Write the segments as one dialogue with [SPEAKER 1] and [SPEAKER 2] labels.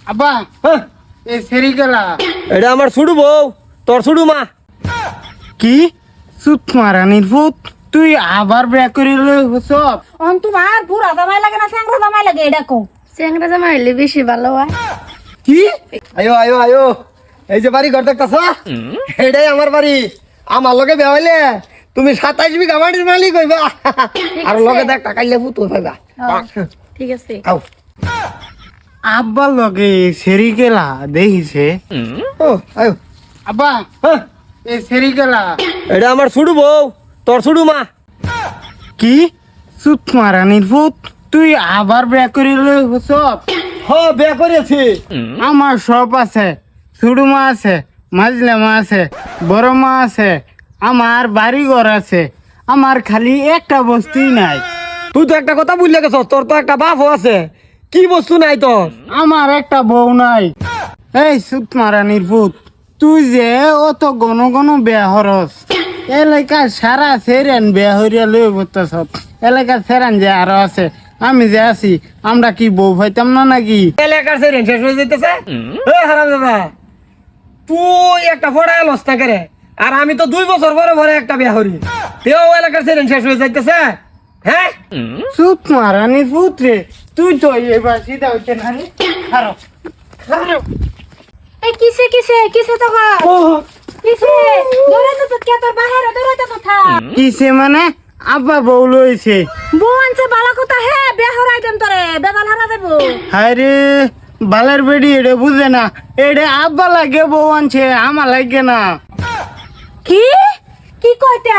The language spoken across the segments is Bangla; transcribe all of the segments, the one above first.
[SPEAKER 1] আব্বা
[SPEAKER 2] হ্যাঁ,
[SPEAKER 1] এই সেরি গেলা
[SPEAKER 2] এটা আমার ছুড়ু বউ, তোর ছুড়ু মা।
[SPEAKER 1] কি সুত মারানির ভূত তুই আবার বিয়া করিল সব
[SPEAKER 3] তোমার বুড়া জামাই লাগে না স্যাংরা জামাই লাগে এটা কো
[SPEAKER 4] চ্যাংরা জামা হইলে বেশি ভালো হয়।
[SPEAKER 2] কি? আয়ো আয়ো আয়ো, এই যে বাড়ি ঘর দেখতেছ, এটাই আমার বাড়ি। আমার লগে বিয়া হইলে তুমি 27 বিঘা বাড়ির মালিক হইবা, আর লগে দেখ টাকা ইলে ভূত হইবা।
[SPEAKER 4] ঠিক আছে।
[SPEAKER 2] আও।
[SPEAKER 1] আব্বার লগে সেরি গেলা দেখিছে
[SPEAKER 2] ও আয়ো।
[SPEAKER 1] আব্বা
[SPEAKER 2] হ্যাঁ,
[SPEAKER 1] এই সেরি গেলা
[SPEAKER 2] এটা আমার ছুড়ু বউ, তোর ছুড়ু মা।
[SPEAKER 1] কি সুত মারানির ভূত তুই আবার বিয়া করিল সব
[SPEAKER 2] হ, বিয়া করেছি।
[SPEAKER 1] আমার সব আছে ছোট মা আছে মাঝলে মা আছে বড় মা আছে আমার বাড়ি ঘর আছে আমার খালি একটা বস্তুই নাই
[SPEAKER 2] তুই তো একটা কথা বুঝলে গেছ, তোর তো একটা বাপও আছে। কি বস্তু নাই তোর?
[SPEAKER 1] আমার একটা বউ নাই। এই সুত মারানির ভূত তুই যে অত ঘন ঘন বেয়া হরস এলাকা সারা সেরেন বেয়া হরিয়া লই বলতেছ এলাকা সেরেন যে আরো আছে আমি যে আছি আমরা কি বউ পাইতাম না নাকি
[SPEAKER 2] এলাকার সেরেন শেষ হয়ে যাইতেছে। এ হারাম দাদা, তুই একটা ফড়ায় লস না করে, আর আমি তো 2 বছর পরে পরে একটা বিয়া হরি, তেও এলাকার সেরেন শেষ হয়ে যাইতেছে। হ্যাঁ,
[SPEAKER 1] সুত মারানির ভূত রে তুই তো এবার সিধা হইতে না রে খারাপ খারাপ
[SPEAKER 3] এই কিসে কিসে কিসে তো গো কিসে দৌড়াতে তো কে তোর বাহিরে দৌড়াতে তো থা
[SPEAKER 1] কিসে মানে আব্বা বউ লইছে
[SPEAKER 3] বউ আনছে বালা কথা হে বিয়া হরাই দেন তোরে বেদাল হারা দেবো
[SPEAKER 1] হায় রে বালের বেডি এটা বুঝে না এটা আব্বা লাগে বউ আনছে আমার লাগে না
[SPEAKER 3] কি কি কইতা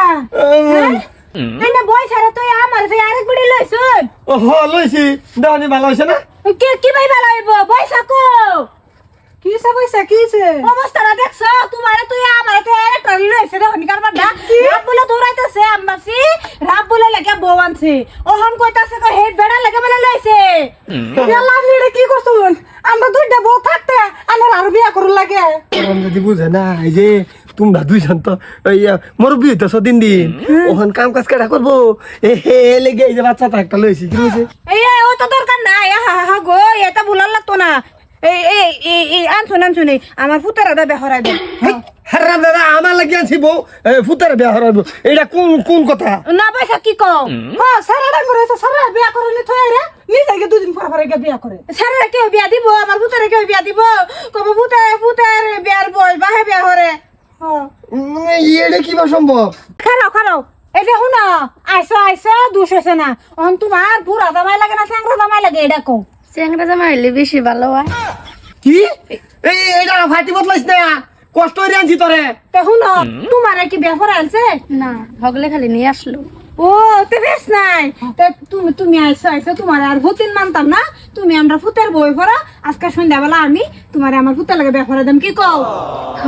[SPEAKER 3] আইনা বই ছাড়া তুই আমার যে আরেক বিড়ি লইছুন
[SPEAKER 2] ও হ লইছি, দেওয়ানি ভালো হয়েছে না?
[SPEAKER 3] কে কি ভাই ভালো হইব পয়সা কো কিসে পয়সা কিসে অবস্থাটা দেখছ তোমারে তুই আমারে তে একটা লইছে রে হনিকার বাড্ডা রাব বলে দৌড়াইতেছে আম্মাসি রাব বলে লাগে বউ আনছে ওহন কইতাছে কই হেড বেড়া লাগে বলে লইছে ইয়াল্লা নিড়ে কি করছুন আমরা দুইটা বউ থাকতে আমার আর বিয়া করু লাগে
[SPEAKER 2] ওরম যদি বুঝে না, এই যে তোমরা দুইজন তো ওই মুরব্বী হইতেছ দিন দিন, ওখান কাম কাজ কেটা করবো, এ হে লেগে এই যে বাচ্চাটা একটা লইছি, কি হয়েছে?
[SPEAKER 3] এই ও তো দরকার নাই হা হা গো এটা ভুলার লাগতো না এই এই এই আনছুন আমার ফুতারা দা বেহরাই দে
[SPEAKER 2] হারাম দাদা, আমার লাগি আনছি বউ ফুতারে বিয়া হরাইব, এটা কোন কোন কথা?
[SPEAKER 3] না পয়সা কি কও হ্যাঁ সারা ডাঙ্গর হইছে সারা বিয়া করলি থই রে নিজে গিয়ে দুদিন পর পরে গিয়ে বিয়া করে সারা কেউ বিয়া দিব আমার ফুতারে কেউ বিয়া দিব কবে ফুতার বিয়ার বই বাহে বিয়া হরে হ্যাঁ
[SPEAKER 2] এটা কি বা সম্ভব?
[SPEAKER 3] খারাও এই যে হুনা আইসো দুষ হইছে না অন তোমার বুড়া জামাই লাগে না স্যাংরা জামাই লাগে এটা কও
[SPEAKER 4] চ্যাংরা জামা হইলে বেশি ভালো হয়।
[SPEAKER 2] কি এই এটা ফাটি বদলাইছ না, কষ্ট হইরে আনছি তোরে।
[SPEAKER 3] তে হুনা তোমার কি বিয়া করে আনছে
[SPEAKER 4] না হগলে খালি নিয়ে আসলো।
[SPEAKER 3] ও তে বেশ নাই তে তুমি আইসো তোমার আর ভূতিন মানতাম না তুমি আমরা ফুতের বই পড়া আজকে সন্ধ্যাবেলা আমি তোমার আমার ফুতের লাগে বিয়া করে দেন কি কও
[SPEAKER 4] হ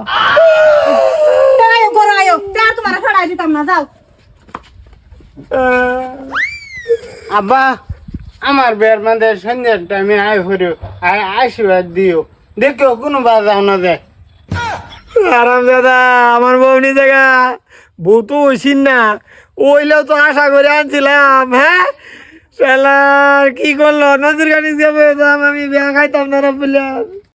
[SPEAKER 3] আয়ো করো আয়ো তে আর তোমার ফড়াই দিতাম না যাও
[SPEAKER 1] আব্বা আমার বের মধ্যে সন্ধ্যার টাইমে আয় হরিও আশীর্বাদ দিও দেখো কোনো বাজাও না যায়
[SPEAKER 2] আরাম দাদা, আমার বউনি জায়গা বউ তো ওইসিন না, ওইলেও তো আশা করে আনছিলাম। হ্যাঁ শালার কি করলো, নজর গাড়ি যাবে আমি বিয়া খাইতাম না বললাম।